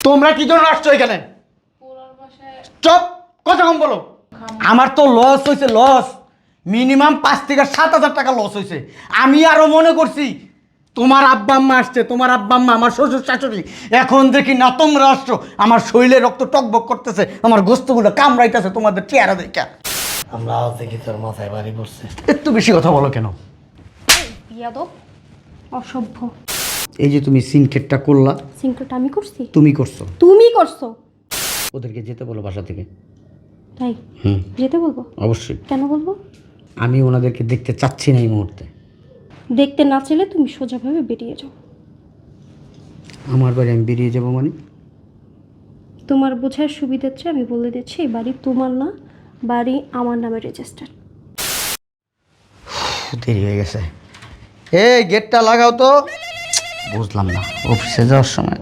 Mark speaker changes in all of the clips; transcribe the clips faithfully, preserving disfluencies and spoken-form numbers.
Speaker 1: তোমরা কি জন্য আসছো এখানে? চুপ, কথা কম বলো। আমার তো লস হয়েছে, লস মিনিমাম পাঁচ থেকে সাত হাজার টাকা লস হয়েছে। আমি আরো মনে করছি তোমার আব্বা আম্মা আসছে, তোমার আব্বা আম্মা আমার শ্বশুর শাশুড়ি, এখন দেখি না তোমরা আসছো। আমার শরীরে রক্ত টকবক করতেছে, আমার গোস্তগুলো কামড়াইতেছে তোমাদের চেহারা দেখা।
Speaker 2: আমরা আওয়াজ দেখি তোর মাথায় বাড়ি পড়ছে।
Speaker 1: একটু বেশি কথা বলো কেন?
Speaker 3: বিয়াদব, অসভ্য।
Speaker 1: এই যে তুমি সিনকেটটা করলা,
Speaker 3: সিনকেটটা আমি করছি?
Speaker 1: তুমি করছো।
Speaker 3: তুমি করছো।
Speaker 1: ওদেরকে যেতে বলো বাসা থেকে।
Speaker 3: তাই?
Speaker 1: হুম,
Speaker 3: যেতে বলবো?
Speaker 1: অবশ্যই।
Speaker 3: কেন বলবো?
Speaker 1: আমি ওনাদেরকে দেখতে চাচ্ছি না এই মুহূর্তে।
Speaker 3: দেখতে না চাইলে তুমি সোজাভাবে বেরিয়ে যাও।
Speaker 1: আমার বাড়ি আমি বেরিয়ে যাবো মানে?
Speaker 3: তোমার বোঝার সুবিধার চেয়ে আমি বলে দিচ্ছি, এই বাড়ি তোমার না, বাড়ি আমার নামে রেজিস্টার।
Speaker 1: দেরি হয়ে গেছে। এই গেটটা লাগাও তো। বুঝলাম না, অফিসে যাওয়ার সময়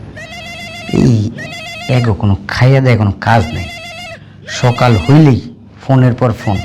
Speaker 1: এই এগো কোনো খাইয়া দেয় কোনো কাজ নেই। সকাল হইলেই ফোনের পর ফোন।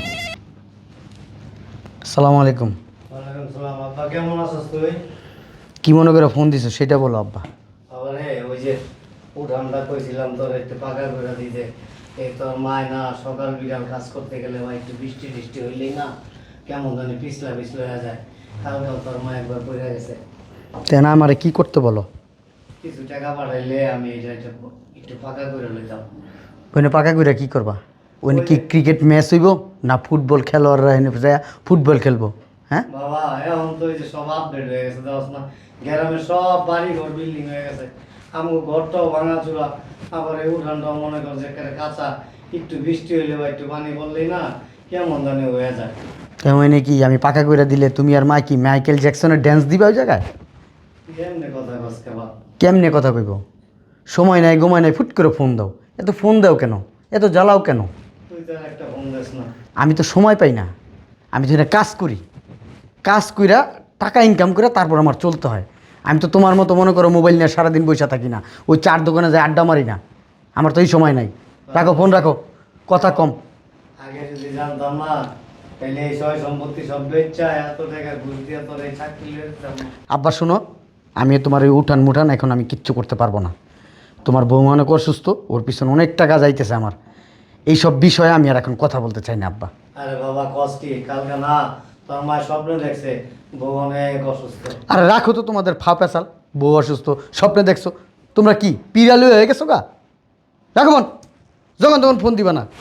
Speaker 1: আসসালামু আলাইকুম।
Speaker 2: ওয়ালাইকুম সালাম। আব্বা কেমন আছিস তুই?
Speaker 1: কি মনে করে ফোন দিছো সেটা বলো আব্বা।
Speaker 2: আবার হে ওই যে উঠানটা কইছিলাম তোর একটু পাকা করে দিতে, এই তোর মায় না সকাল বিকাল কাজ করতে গেলে বা একটু বৃষ্টি টিষ্টি হইলেই না কেমন জানি পিছলা পিছলা হয়ে যায়। কালকেও তোর মা একবার পড়ে গেছে।
Speaker 1: তেনা আমারে কি করতে বলো?
Speaker 2: কিছু টাকা পাঠাইলে আমি এটা একটু একটু পাকা করে লইতাম।
Speaker 1: ওইনে পাকা কইরা কি করবা? ওইনে কি ক্রিকেট ম্যাচ হইব না ফুটবল খেলোয়াড়রা এনে যায় ফুটবল খেলবো? হ্যাঁ
Speaker 2: বাবা, এখন তো এই যে সব আপডেট হয়ে গেছে, দেওয়াস না গ্রামের সব বাড়ি ঘর বিল্ডিং হয়ে গেছে। আমার ঘরটাও ভাঙা চূড়া, আবার এই উঠানটাও মনে কর যে একেবারে কাঁচা। একটু বৃষ্টি হইলে বা একটু পানি পড়লেই না কেমন জানি হয়ে যায়।
Speaker 1: তেমন কি আমি পাকা কইরা দিলে তুমি আর মা কি মাইকেল জ্যাকসনের ড্যান্স দিবা ওই জায়গায়?
Speaker 2: কেমনে কথা কসকে বা
Speaker 1: কেমনে কথা কইব? সময় নাই ঘুমায় নাই ফুট করে ফোন দাও। এত ফোন দাও কেন? এত জ্বালাও কেন?
Speaker 2: তুই তো আর একটা ফোন দিস না।
Speaker 1: আমি তো সময় পাই না। আমি তো এটা কাজ করি, কাজ কইরা টাকা ইনকাম করে তারপর আমার চলতে হয়। আমি তো তোমার মতো মনে করো মোবাইল নিয়ে সারাদিন বসে থাকি না, ওই চার দোকানে যায় আড্ডা মারি না। আমার তো এই সময় নাই। রাখো ফোন, রাখো, কথা কম।
Speaker 2: আগে যদি জানতাম না তাহলে এই সয় সম্পত্তি সব বেচা এত টাকা ঘুষ দিয়ে তোর এই চাকরি লইয়ে দিতাম না।
Speaker 1: আব্বা শোনো, আমি তোমার এই উঠান মুঠান এখন আমি কিচ্ছু করতে পারবো না। তোমার বউ অনেক অসুস্থ, ওর পিছনে অনেক টাকা যাইতেছে আমার। এইসব বিষয়ে আমি আর এখন কথা বলতে চাই না আব্বা।
Speaker 2: আরে বাবা কষ্টি কালকে না তোর মা স্বপ্ন দেখছে বউ অনেক অসুস্থ।
Speaker 1: আরে রাখো তো তোমাদের ফা পেশাল। বউ অসুস্থ স্বপ্নে দেখছো? তোমরা কি পিরালু হয়ে গেছো গা? রাখো মন, যখন তখন ফোন দিবা না।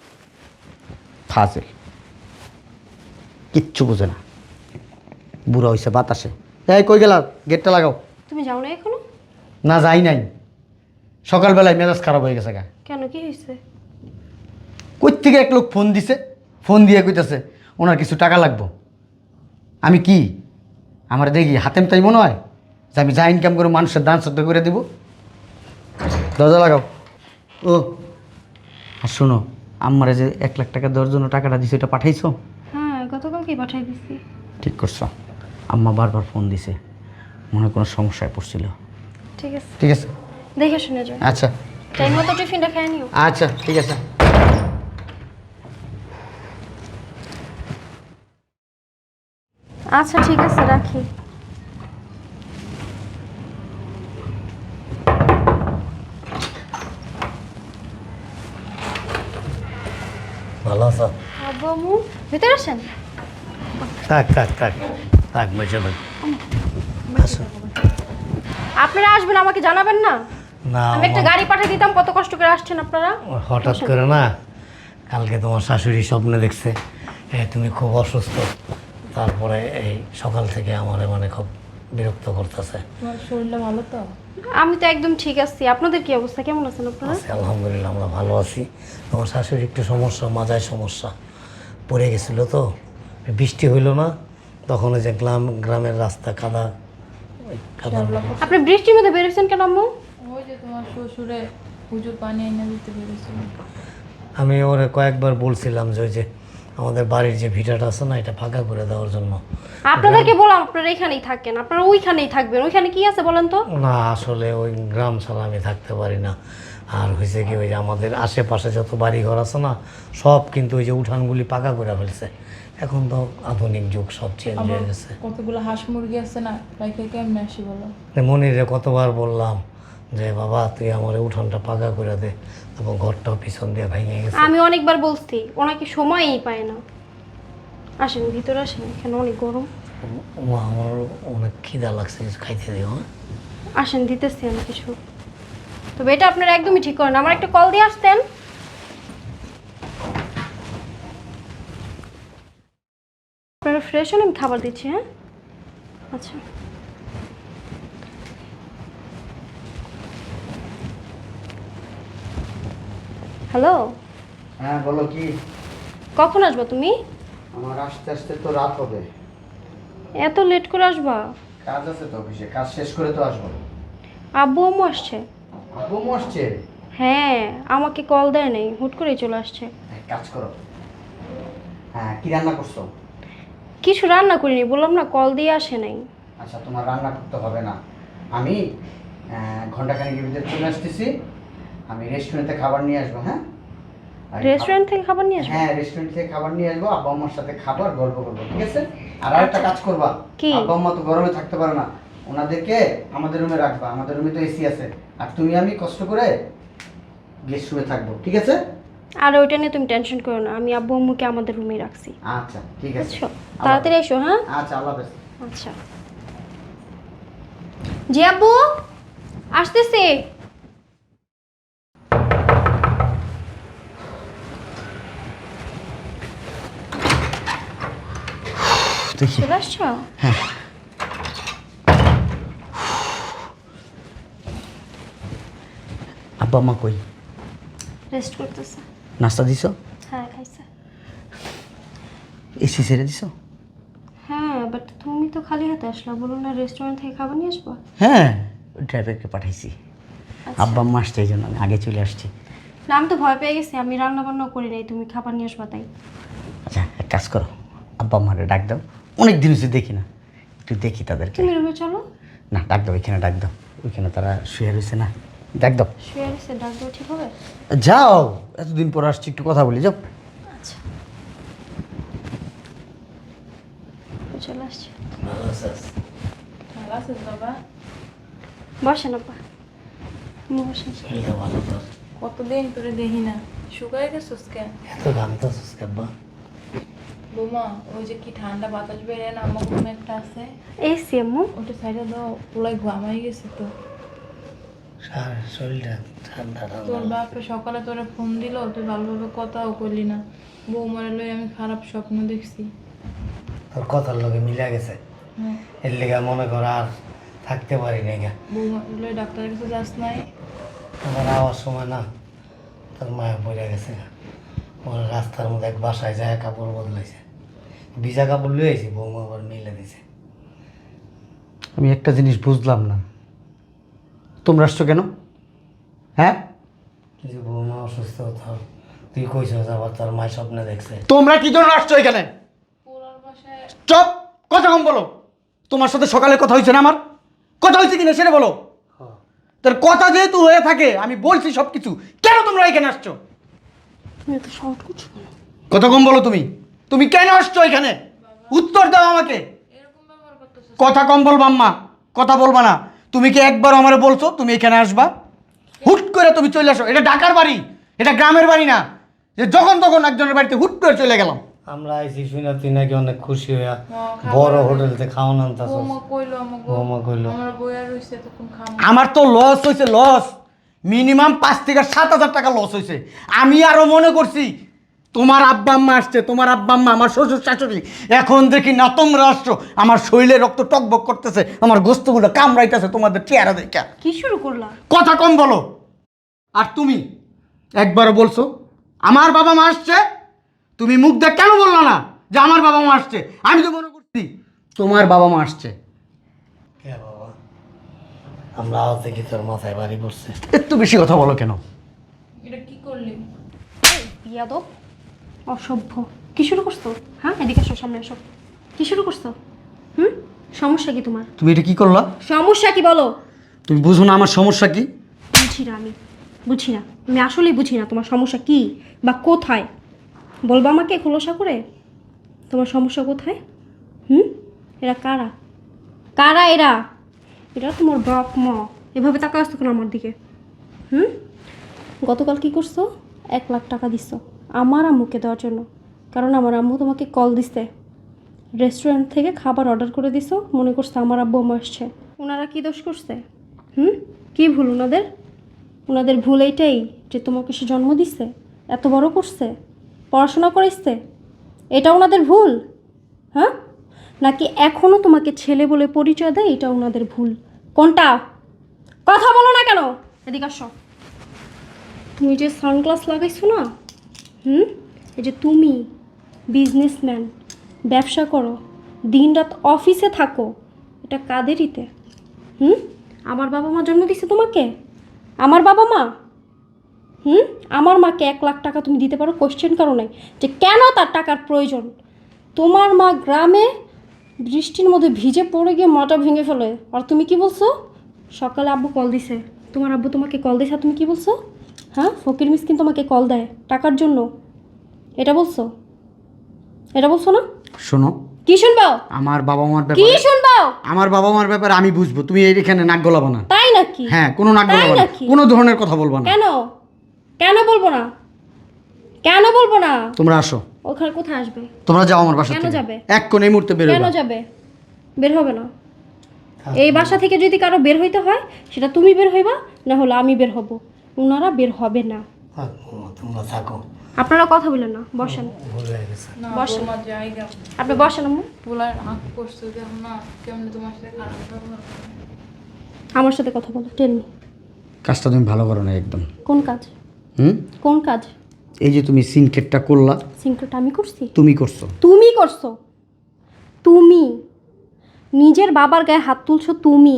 Speaker 1: ফাজিল, কিচ্ছু বুঝে না, বুড়া হয়েছে বাতাসে। এই কই গেলা? গেটটা লাগাও।
Speaker 3: তুমি যাও না এখনো?
Speaker 1: না যাই নাই, সকালবেলায় মেজাজ খারাপ হয়ে গেছে গা।
Speaker 3: কেন, কি হয়েছে?
Speaker 1: কই থেকে এক লোক ফোন দিছে, ফোন দিয়ে কইতেছে ওনার কিছু টাকা লাগবো। আমি কি আমার দেখি হাতেম তাই মনে হয় যে আমি যা ইনকাম করে মানুষের দান শ্রদ্ধা করে দিব? দরজা লাগাও। ও আর শোনো, আম্মারে যে এক লাখ টাকা দেওয়ার জন্য টাকাটা দিছে ওটা পাঠাইছো?
Speaker 3: হ্যাঁ, গতকালকেই পাঠাই দিছি।
Speaker 1: ঠিক করছো। আম্মা বারবার ফোন দিছে, মনে কোনো সমস্যায় পড়ছিল।
Speaker 3: ঠিক আছে,
Speaker 1: ঠিক আছে,
Speaker 3: দেখে শুনে যাও।
Speaker 1: আচ্ছা
Speaker 3: টাইম মতো টিফিনটা খেয়ে নিও।
Speaker 1: আচ্ছা ঠিক আছে।
Speaker 3: আচ্ছা ঠিক আছে, রাখি।
Speaker 2: ভালো আছো?
Speaker 3: আব্বু আম্মু ভিতরে আসেন।
Speaker 2: থাক থাক থাক থাক বসে থাক।
Speaker 3: আপনারা আসবেন, আমাকে জানাবেন না?
Speaker 2: না
Speaker 3: আমি একটা গাড়ি পাঠিয়ে দিতাম, কত কষ্ট করে আসছেন আপনারা।
Speaker 2: হঠাৎ করে না কালকে তোমার শাশুড়ি স্বপ্নে দেখছে এ তুমি খুব অসুস্থ, তারপরে এই সকাল থেকে আমার মানে খুব বিরক্ত করতেছে।
Speaker 4: তোমার শরীরটা ভালো তো?
Speaker 3: আমি তো একদম ঠিক আছি। আপনাদের কি অবস্থা, কেমন আছেন আপনারা?
Speaker 2: আছি আলহামদুলিল্লাহ, আমরা ভালো আছি। তোমার শাশুড়ি একটু সমস্যা, মাজায় সমস্যা, পড়ে গেছিল তো, বৃষ্টি হইল না তখন ওই যে গ্রাম গ্রামের রাস্তা কাদা, ওই কাদা।
Speaker 3: আপনি বৃষ্টির মধ্যে বেরোচ্ছেন কেন আম্মু?
Speaker 4: ওই যে তোমার শ্বশুরে হুজুর পানি এনে দিতে পেরেছিল।
Speaker 2: আমি ওরে কয়েকবার বলছিলাম যে ওই যে আমাদের বাড়ির যে ভিটাটা আছে না এটা ফাঁকা করে দেওয়ার জন্য।
Speaker 3: আপনাদেরকে বললাম আপনারা এখানেই থাকেন, আপনারা ওইখানেই থাকবেন। ওইখানে কি আছে বলেন তো?
Speaker 2: না আসলে ওই গ্রাম ছাড়া আমি থাকতে পারি না। আর হয়েছে কি ওই যে আমাদের আশেপাশে যত বাড়ি ঘর আছে না সব কিন্তু ওই যে উঠানগুলি পাকা করে ফেলছে। এখন তো আধুনিক যুগ, সব চেঞ্জ হয়ে গেছে।
Speaker 4: কতগুলো হাঁস মুরগি আছে না, রাইখে কেমনে আসি বলো?
Speaker 2: মনিরে কতবার বললাম যে বাবা তুই আমার উঠানটা পাকা করে দে, এবং ঘরটাও পিছন দিয়ে ভেঙে গেছে।
Speaker 3: আমি অনেকবার বলছি, ওনাকে সময়ই পায় না। আসেন ভিতরে আসেন, এখানে অনেক গরম।
Speaker 2: মা আমার অনেক খিদা লাগছে, কিছু খাইতে দিও। হ্যাঁ
Speaker 3: আসেন, দিতেছি আমি কিছু। তবে এটা আপনারা একদমই ঠিক করেন, আমার একটা কল দিয়ে আসতেন। আপনারা ফ্রেশ হন, আমি খাবার দিচ্ছি। হ্যাঁ আচ্ছা। হ্যালো,
Speaker 1: হ্যাঁ বলো কি?
Speaker 3: কখন আসবা তুমি?
Speaker 1: আমার আসতে আসতে তো রাত হবে।
Speaker 3: এত লেট করে আসবা?
Speaker 1: কাজ আছে তো অফিসে, কাজ শেষ করে তো আসবো।
Speaker 3: আব্বু আম্মু আসছে?
Speaker 1: আব্বু আসছে?
Speaker 3: হ্যাঁ, আমাকে কল দেয় নাই, হুট করেই চলে আসছে।
Speaker 1: এক কাজ করো, হ্যাঁ কি রান্না করছো?
Speaker 3: কিছু রান্না করিনি, বললাম না কল দিয়ে আসে নাই।
Speaker 1: আচ্ছা তোমার রান্না করতে হবে না, আমি ঘন্টাখানেকের ভিতরে চলে আসতেছি। আমি রেস্টুরেন্টে খাবার নিয়ে আসবো। হ্যাঁ
Speaker 3: রেস্টুরেন্ট থেকে খাবার নিয়ে আসবে?
Speaker 1: হ্যাঁ রেস্টুরেন্ট থেকে খাবার নিয়ে আসবো, আব্বা আম্মার সাথে খাবার গল্প করবো, ঠিক আছে? আর আরেকটা কাজ করবা,
Speaker 3: কি?
Speaker 1: আব্বা আম্মা তো গরমে থাকতে পারে না, ওনাদেরকে আমাদের রুমে রাখবা। আমাদের রুমে তো এসি আছে, আর তুমি আমি কষ্ট করে গেস্ট রুমে থাকবো, ঠিক আছে?
Speaker 3: আর ওইটা নিয়ে তুমি টেনশন করো না, আমি আব্বু আম্মুকে আমাদের রুমে রাখছি।
Speaker 1: আচ্ছা ঠিক আছে,
Speaker 3: বুঝছো? তাড়াতাড়ি এসো। হ্যাঁ
Speaker 1: আচ্ছা আল্লাহ হাফেজ।
Speaker 3: আচ্ছা। জি আব্বু, আসতেছি।
Speaker 1: দেখি
Speaker 3: চলে আসছো?
Speaker 1: আব্বা আম্মা কই?
Speaker 3: রেস্ট করতেছে।
Speaker 1: নাস্তা দিছো?
Speaker 3: হ্যাঁ খাইছে।
Speaker 1: এসি ছেড়ে দিছো?
Speaker 3: হ্যাঁ, বাট তুমি তো খালি হাতে আসলা, বলো না রেস্টুরেন্ট থেকে খাবার নিয়ে আসবো।
Speaker 1: হ্যাঁ ড্রাইভারকে পাঠাইছি,
Speaker 3: আচ্ছা।
Speaker 1: আব্বা আম্মা আসছে এই জন্য আমি আগে চলে আসছি।
Speaker 3: না আমি তো ভয় পেয়ে গেছি, আমি রান্না বান্না করি নাই, তুমি খাবার নিয়ে আসবা তাই।
Speaker 1: আচ্ছা এক কাজ করো, আব্বা আম্মারে ডাক দাও, অনেক দিন হচ্ছে দেখি না, একটু দেখি তাদেরকে।
Speaker 3: তুমি রুমে চলো।
Speaker 1: না ডাক দাও, এখানে ডাক দাও, ওইখানে তারা শুয়ে রয়েছে না, ডাক দাও।
Speaker 3: শুয়ে রয়েছে, ডাক দেওয়া ঠিক হবে?
Speaker 1: যাও, এতদিন পর আসছি, একটু কথা বলি, যাও।
Speaker 3: আচ্ছা, চলে আসছি।
Speaker 2: ভালো আছিস?
Speaker 4: ভালো আছিস বাবা?
Speaker 3: বসেন আপা, বসেন।
Speaker 2: শরীরটা ভালো তোর?
Speaker 4: কতদিন তোরে দেখি না, শুকায় গেছিস কেন?
Speaker 2: এত ঘামতেছিস কেব্বা?
Speaker 4: বোমা, ওই যে কি ঠান্ডা বাতাস বেড়ে না, আমার ঘুম একটা আছে,
Speaker 3: এসি আম্মু।
Speaker 4: ওটা সাইডে দাও, পুলাই ঘামাই গেছে তো।
Speaker 2: সার- শরীরটা ঠান্ডা ঠান্ডা
Speaker 4: তোর
Speaker 2: লাগছে।
Speaker 4: বাপে সকালে তোরে ফোন দিল, তুই ভালোভাবে কথাও করলি না। বৌমারে লই আমি খারাপ স্বপ্ন দেখছি।
Speaker 2: তোর কথার লগে মিলা গেছে,
Speaker 4: হ্যাঁ,
Speaker 2: এর লেগে মনে কর আর থাকতে পারি না। গা
Speaker 4: বৌমার লই ডাক্তারের কাছে যাস নাই?
Speaker 2: আমার আওয়ার সময় না তোর মায়া পড়ে গেছে। ওর রাস্তার মধ্যে এক বাসায় যায় কাপড় বদলাইছে, ভিজা কাপড় লুয়ে আইছি, বৌমা আবার মিলে দিছে।
Speaker 1: আমি একটা জিনিস বুঝলাম না, তোমরা আসছো কেন? হ্যাঁ
Speaker 2: তুই যে বৌমা অসুস্থ, তোর তুই কইছ আবার তোর মায়ের স্বপ্নে দেখছে।
Speaker 1: তোমরা কি জন্য আসছো এখানে?
Speaker 4: পুরার বাসায়
Speaker 1: চপ, কথা কম বলো। তোমার সাথে সকালে কথা হয়েছে না আমার? কথা হয়েছে কিনা সেটা বলো। তার কথা যেহেতু হয়ে থাকে, আমি বলছি সব কিছু, কেন তোমরা এখানে আসছো?
Speaker 3: তুমি তো শর্ট করছো কেন?
Speaker 1: কথা কম বলো। তুমি তুমি কেন আসছো এখানে? উত্তর দাও আমাকে।
Speaker 4: এরকম ব্যবহার করতেছিস?
Speaker 1: কথা কম বলবা আম্মা, কথা বলবা না। তুমি কি একবার আমারে বলছো তুমি এখানে আসবা? হুট করে তুমি চলে আসো। এটা ঢাকার বাড়ি, এটা গ্রামের বাড়ি না যে যখন তখন একজনের বাড়িতে হুট করে চলে গেলাম।
Speaker 2: আমরা আইছি শুনে তুই নাকি অনেক খুশি হইয়া
Speaker 4: হ্যাঁ, খাবার
Speaker 2: বড়
Speaker 4: আনতে-
Speaker 2: হোটেলতে খাওয়ান আনতাছ।
Speaker 4: বৌমা কইলো আমাকে,
Speaker 2: বৌমা কইলো।
Speaker 4: আমার বইয়া রইছে তখন খামো।
Speaker 1: আমার তো লস হয়েছে, লস মিনিমাম পাঁচ থেকে সাত হাজার টাকা লস হয়েছে। আমি আরো মনে করছি তোমার আব্বা আম্মা আসছে, তোমার আব্বা আম্মা আমার শ্বশুর শাশুড়ি, এখন দেখি না তোমরা আসছো। আমার শরীরে রক্ত টকবক করতেছে, আমার গোস্তগুলো কামড়াইতেছে তোমাদের চেহারা দেখা।
Speaker 3: কি শুরু করলা?
Speaker 1: কথা কম বলো। আর তুমি একবারও বলছো আমার বাবা মা আসছে, তুমি মুখ দেখ কেন বললো না যে আমার বাবা মা আসছে? আমি তো মনে করছি তোমার বাবা মা আসছে।
Speaker 2: কে বাবা? আমরা আওয়াজ দেখি তোর মাথায় বাড়ি পড়ছে।
Speaker 1: একটু বেশি কথা বলো কেন?
Speaker 4: এটা কি করলি?
Speaker 3: বিয়াদব, অসভ্য। কি শুরু করছো? হ্যাঁ এদিকে আসো, সামনে আসো। কি শুরু করছো? হুম, সমস্যা কি তোমার?
Speaker 1: তুমি এটা কি করলা?
Speaker 3: সমস্যা কি বলো?
Speaker 1: তুমি বুঝো না আমার সমস্যা কি?
Speaker 3: বুঝি না, আমি বুঝি না, আমি আসলেই বুঝি না তোমার সমস্যা কি বা কোথায়। বলবা আমাকে খোলসা করে তোমার সমস্যা কোথায়? হুম, এরা কারা? কারা এরা? এরা তোমার বাপ মা, এভাবে তাকা আসতো কেন আমার দিকে? হুম? গতকাল কি করছো? এক লাখ টাকা দিচ্ছ আমার আম্মুকে দেওয়ার জন্য, কারণ আমার আম্মু তোমাকে কল দিছে, রেস্টুরেন্ট থেকে খাবার অর্ডার করে দিছো, মনে করছে আমার আব্বু আম্মু আসছে। ওনারা কি দোষ করছে? হুম? কি ভুল ওনাদের? ওনাদের ভুল এইটাই যে তোমাকে সে জন্ম দিচ্ছে, এত বড় করছে, পড়াশোনা করাইছে, এটা ওনাদের ভুল? হ্যাঁ, নাকি এখনও তোমাকে ছেলে বলে পরিচয় দেয়, এটা ওনাদের ভুল? কোনটা? কথা বলো না কেন? এদিকে আসো। তুমি যে সানগ্লাস লাগাইছো না, হুম, এই যে তুমি বিজনেসম্যান, ব্যবসা করো, দিনরাত অফিসে থাকো, এটা কাদেরিতে? হুম? আমার বাবা মা জন্ম দিছে তোমাকে? আমার বাবা মা? হুম? আমার মাকে এক লাখ টাকা তুমি দিতে পারো, কোশ্চেন করো নাই যে কেন তার টাকার প্রয়োজন? তোমার মা গ্রামে বৃষ্টির মধ্যে ভিজে পড়ে গিয়ে মাটা ভেঙে ফেলে, আর তুমি কি বলছো? সকালে আব্বু কল দিছে, তোমার আব্বু তোমাকে কল দিছে, আর তুমি কি বলছো? হ্যাঁ, ফকির মিসকিন তোমাকে কল দেয় টাকার জন্য, এটা বলছো? এটা বলছো না?
Speaker 1: শোনো,
Speaker 3: কি শুনবো?
Speaker 1: আমার বাবা মার
Speaker 3: কি
Speaker 1: ব্যাপারে
Speaker 3: শুনবো?
Speaker 1: আমার বাবা মার ব্যাপারে আমি বুঝবো, তুমি এখানে নাক গলাবো না।
Speaker 3: তাই নাকি?
Speaker 1: হ্যাঁ, কোনো নাক
Speaker 3: তাই
Speaker 1: গলাবো না,
Speaker 3: নাকি?
Speaker 1: কোনো ধরনের কথা বলবো না।
Speaker 3: কেন? কেন বলবো না? কেন বলবো না?
Speaker 1: তোমরা আসো,
Speaker 3: ওখানে কোথায় আসবে?
Speaker 1: তোমরা যাও আমার বাসা
Speaker 3: কেন
Speaker 1: থেকে।
Speaker 3: যাবে?
Speaker 1: এক কোণে এই মুহূর্তে বেরোবে।
Speaker 3: কেন যাবে? বের হবে না। এই বাসা থেকে যদি কারো বের হইতে হয়, সেটা তুমি বের হইবা, না হলে আমি বের হব। ওনারা বের হবে না।
Speaker 2: থাক বৌমা, তোমরা থাকো।
Speaker 3: আপনারা কথা বলেন না, বসেন।
Speaker 2: ভুল হয়ে গেছে।
Speaker 4: না
Speaker 3: বসেন।
Speaker 4: বৌমা জায়গা
Speaker 3: আপনি বসেন আম্মু।
Speaker 4: পোলার আঁক করছো দেখো না কেমন তোমার সাথে খারাপ ব্যবহার করে।
Speaker 3: আমার সাথে কথা বলো, টেন মি।
Speaker 1: কাজটা তুমি ভালো করো না একদম।
Speaker 3: কোন কাজ?
Speaker 1: হুম?
Speaker 3: কোন কাজ?
Speaker 1: এই যে তুমি সিনকেটটা করলা,
Speaker 3: সিনক্রেট আমি করছি?
Speaker 1: তুমি করছো।
Speaker 3: তুমি করছো। তুমি নিজের বাবার গায়ে হাত তুলছো, তুমি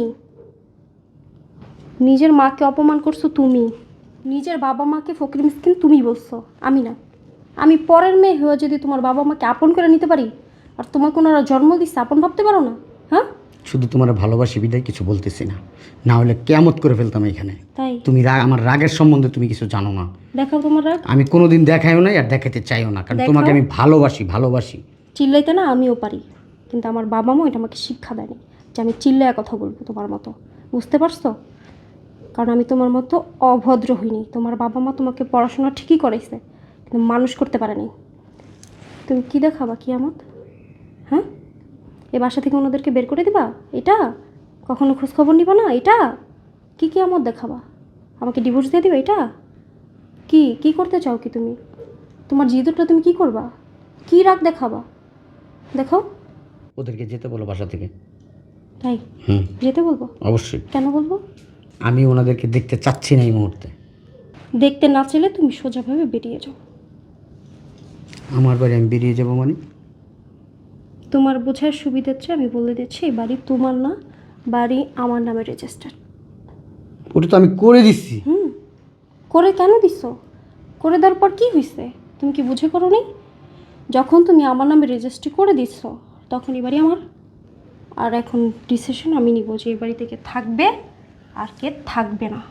Speaker 3: নিজের মাকে অপমান করছো, তুমি নিজের বাবা মাকে ফকির মিসকিন তুমি বলছো, আমি না। আমি পরের মেয়ে হয়ে যদি তোমার বাবা মাকে আপন করে নিতে পারি, আর তোমাকে ওনারা জন্ম দিচ্ছে, আপন ভাবতে পারো না? হ্যাঁ,
Speaker 1: শুধু তোমার ভালোবাসি বিদায় কিছু বলতেছি না, না হলে কেয়ামত করে ফেলতাম এখানে।
Speaker 3: তাই
Speaker 1: তুমি রাগ, আমার রাগের সম্বন্ধে তুমি কিছু জানো না।
Speaker 3: দেখাও তোমার রাগ।
Speaker 1: আমি কোনোদিন দেখাইও না আর দেখাতে চাইও না, কারণ
Speaker 3: দেখাও।
Speaker 1: তোমাকে আমি ভালোবাসি ভালোবাসি
Speaker 3: চিল্লাইতে না আমিও পারি, কিন্তু আমার বাবা মা এটা আমাকে শিক্ষা দেয়নি যে আমি চিল্লায় কথা বলবো তোমার মতো, বুঝতে পারছো? কারণ আমি তোমার মতো অভদ্র হইনি। তোমার বাবা মা তোমাকে পড়াশোনা ঠিকই করাইছে, কিন্তু মানুষ করতে পারেনি। তুমি কি দেখাবা কিয়ামত? হ্যাঁ, এ বাসা থেকে ওনাদেরকে বের করে দিবা? এটা কখনো খোঁজখবর নিবা না? এটা কি কিয়ামত দেখাবা? আমাকে ডিভোর্স দিয়ে দিবা? এটা কি কি করতে চাও কি তুমি? তোমার জিদুরটা তুমি কি করবা? কি রাগ দেখাবা? দেখো,
Speaker 1: ওদেরকে যেতে বলো বাসা থেকে।
Speaker 3: তাই
Speaker 1: হুম,
Speaker 3: যেতে বলবো?
Speaker 1: অবশ্যই।
Speaker 3: কেন বলবো?
Speaker 1: আমি ওনাদেরকে দেখতে চাচ্ছি না এই মুহূর্তে।
Speaker 3: দেখতে না চাইলে তুমি সোজাভাবে বেরিয়ে যাও।
Speaker 1: আমার বাড়ি আমি বেরিয়ে যাবো মানে?
Speaker 3: তোমার বোঝার সুবিধার চেয়ে আমি বলে দিচ্ছি, এই বাড়ি তোমার না, বাড়ি আমার নামে রেজিস্টার।
Speaker 1: ওটা তো আমি করে দিচ্ছি।
Speaker 3: হুম, করে কেন দিছ? করে দেওয়ার পর কী হয়েছে? তুমি কি বুঝে করো নি? যখন তুমি আমার নামে রেজিস্ট্রি করে দিচ্ছ, তখন এই বাড়ি আমার। আর এখন ডিসিশন আমি নিব যে এই বাড়ি থেকে থাকবে আর কে থাকবে না।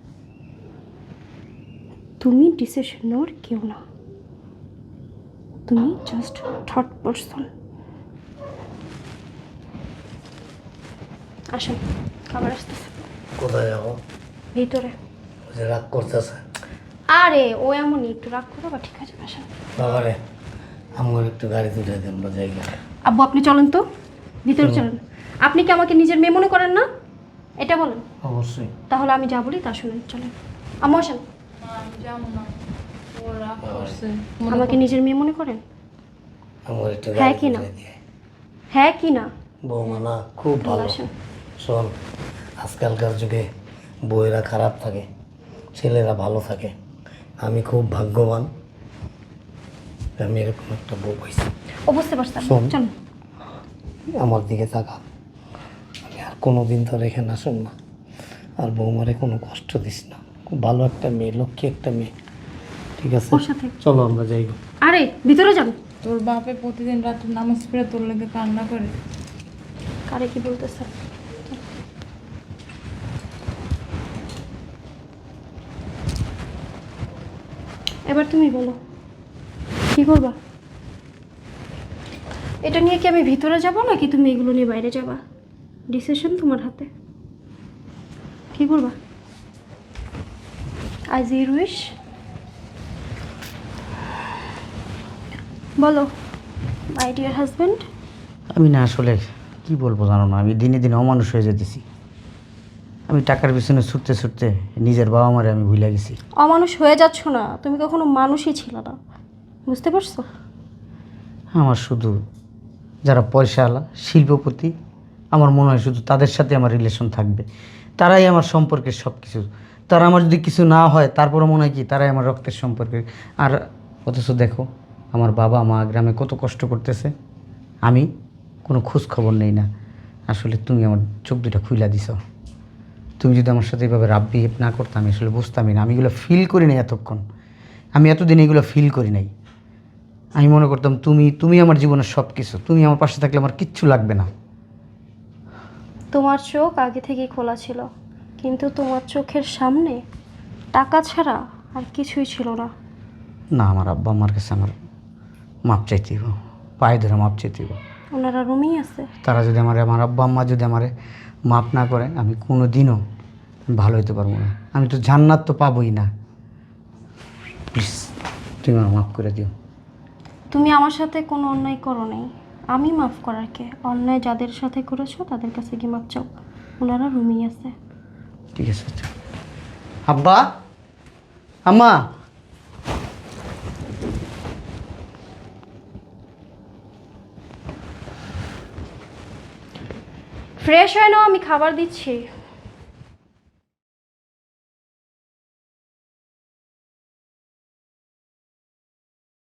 Speaker 3: তুমি ডিসিশন নেওয়ার কেউ না, তুমি জাস্ট থার্ড পারসন। আসেন, খাবার আসতেছে।
Speaker 2: কোথায় যাবো?
Speaker 3: ভিতরে।
Speaker 2: ওই যে রাগ করতেছে।
Speaker 3: আরে ও এমনই, একটু রাগ করো বা ঠিক আছে, আসেন।
Speaker 2: বাবারে, আমার একটু গাড়ি তুলে দেন বা জায়গা।
Speaker 3: আব্বু আপনি চলেন তো, ভিতরে চলেন। আপনি কি আমাকে নিজের মেয়ে মনে করেন না? এটা বলেন।
Speaker 2: অবশ্যই।
Speaker 3: তাহলে আমি যা বলি তা শুনেন, চলেন। আম্মু আসেন।
Speaker 4: না আমি যাবো না, ও রাগ করছে।
Speaker 3: আমাকে নিজের মেয়ে মনে করেন?
Speaker 2: আমার একটু
Speaker 3: হ্যাঁ
Speaker 2: গাড়ি
Speaker 3: কি না?
Speaker 2: তুলে দিয়ে।
Speaker 3: হ্যাঁ কি না?
Speaker 2: বৌমা না খুব ভালো।
Speaker 3: আসেন।
Speaker 2: শোন, আজকালকার যুগে বউয়েরা খারাপ থাকে, ছেলেরা ভালো থাকে। আমি খুব ভাগ্যবান আমি এরকম একটা বউ পাইছি।
Speaker 3: ও বুঝতে পারছেন,
Speaker 2: শোন।
Speaker 3: চলেন।
Speaker 2: আমার দিকে তাকা। আমি আর কোনো দিন তোর এখানে আসুন না, আর বৌমারে কোনো কষ্ট দিস না। খুব ভালো একটা মেয়ে, লক্ষ্মী একটা মেয়ে, ঠিক আছে?
Speaker 3: ওর সাথে।
Speaker 2: চলো আমরা যাই।
Speaker 3: আরে ভিতরে যান।
Speaker 4: তোর বাপে প্রতিদিন রাতে নামাজ পড়ে তোর লেগে কান্না করে।
Speaker 3: কারে কি বলতেছে? এবার তুমি বলো কি করবা? এটা নিয়ে কি আমি ভিতরে যাব নাকি তুমি এগুলো নিয়ে বাইরে যাবা? ডিসিশন তোমার হাতে। কি করবা? আজ ইউর উইশ বলো মাই ডিয়ার হাজব্যান্ড।
Speaker 1: আমি না আসলে কি বলবো জানো না, আমি দিনে দিনে অমানুষ হয়ে যেতেছি। আমি টাকার পিছনে ছুটতে ছুটতে নিজের বাবা মারে আমি ভুলে গেছি।
Speaker 3: অমানুষ হয়ে যাচ্ছ না, তুমি কখনো মানুষই ছিল না, বুঝতে পারছো?
Speaker 1: আমার শুধু যারা পয়সাওয়ালা শিল্পপতি, আমার মনে হয় শুধু তাদের সাথে আমার রিলেশন থাকবে, তারাই আমার সম্পর্কের সব কিছু। তারা আমার যদি কিছু না হয় তারপরে মনে হয় কি তারাই আমার রক্তের সম্পর্কে। আর অথচ দেখো আমার বাবা মা গ্রামে কত কষ্ট করতেছে, আমি কোনো খোঁজ খবর নেই না। আসলে তুমি আমার চোখ দুটা খুইলা দিছ। তুমি যদি আমার সাথে এভাবে রাব বিহেভ না করতাম আমি আসলে বুঝতামই না। আমি এগুলো ফিল করি নাই এতক্ষণ, আমি এতদিন এগুলো ফিল করি নাই। আমি মনে করতাম তুমি তুমি আমার জীবনের সব কিছু, তুমি আমার পাশে থাকলে আমার কিচ্ছু লাগবে না।
Speaker 3: তোমার চোখ আগে থেকেই খোলা ছিল, কিন্তু তোমার চোখের সামনে টাকা ছাড়া আর কিছুই ছিল না।
Speaker 1: না, আমার আব্বা আমার কাছে আমার মাপ চাইতে হইব, পায়ে ধরে মাপ চাইতে হইব।
Speaker 3: ওনারা রুমেই আছে।
Speaker 1: তারা যদি আমার আমার আব্বা আম্মা যদি আমার মাপ না করে আমি কোনো দিনও ভালো হতে পারবো না। আমি তো জান্নাত তো পাবোই না। প্লিজ তুমি আমার মাফ করে দিও।
Speaker 3: তুমি আমার সাথে কোনো অন্যায় করো নাই, আমি মাফ করার কে? অন্যায় যাদের সাথে করেছো তাদের কাছে কি মাপ চাও? ওনারা রুমেই আছে।
Speaker 1: ঠিক আছে আচ্ছা। আব্বা আম্মা,
Speaker 3: ফ্রেশ হয় না, আমি খাবার দিচ্ছি।